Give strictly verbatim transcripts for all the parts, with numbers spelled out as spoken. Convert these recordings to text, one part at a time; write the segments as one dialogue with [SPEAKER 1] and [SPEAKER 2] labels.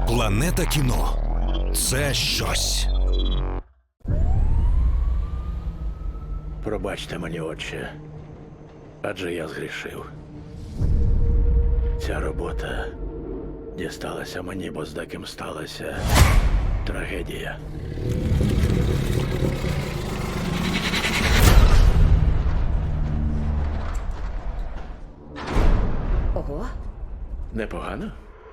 [SPEAKER 1] Планета кіно – це щось.
[SPEAKER 2] Пробачте мені, отче, адже я згрішив. Ця робота дісталася мені, бо з деким сталася трагедія.
[SPEAKER 3] Ого.
[SPEAKER 2] Непогано?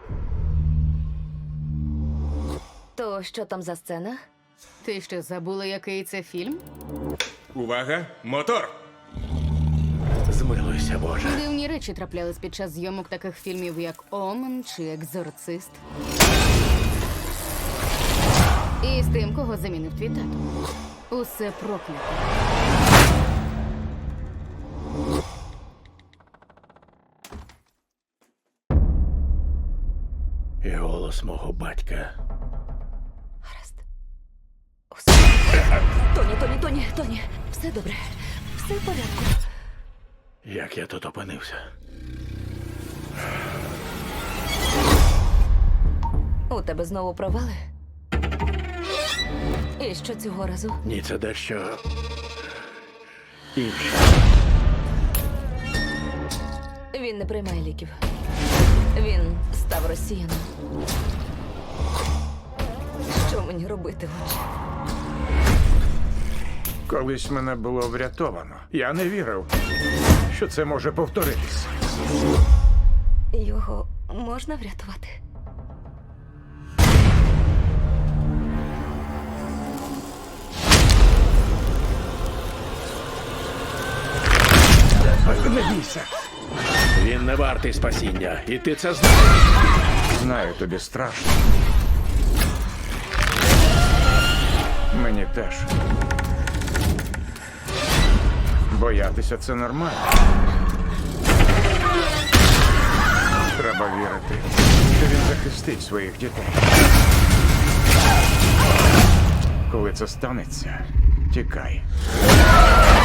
[SPEAKER 3] То що там за сцена?
[SPEAKER 4] Ти що, забула, який це фільм?
[SPEAKER 5] Увага! Мотор!
[SPEAKER 2] Змилуйся, Боже.
[SPEAKER 4] Дивні речі траплялись під час зйомок таких фільмів, як «Омен» чи «Екзорцист». І з тим, кого замінив твій тато. Усе проклято.
[SPEAKER 2] І голос мого батька.
[SPEAKER 3] Гаразд. Усе. Тоні, Тоні, Тоні, Тоні. Все добре. Все в порядку.
[SPEAKER 2] Як я тут опинився?
[SPEAKER 3] У тебе знову провали? І що цього разу?
[SPEAKER 2] Ні, це дещо інше.
[SPEAKER 3] Він не приймає ліків. Він став росіяном. Що мені робити, отче?
[SPEAKER 6] Колись мене було врятовано. Я не вірив, що це може повторитись.
[SPEAKER 3] Його можна врятувати?
[SPEAKER 6] Не бійся.
[SPEAKER 2] Він не вартий спасіння, і ти це знаєш.
[SPEAKER 6] Знаю, тобі страшно. Мені теж. Боятися – це нормально. Треба вірити, що він захистить своїх дітей. Коли це станеться, тікай.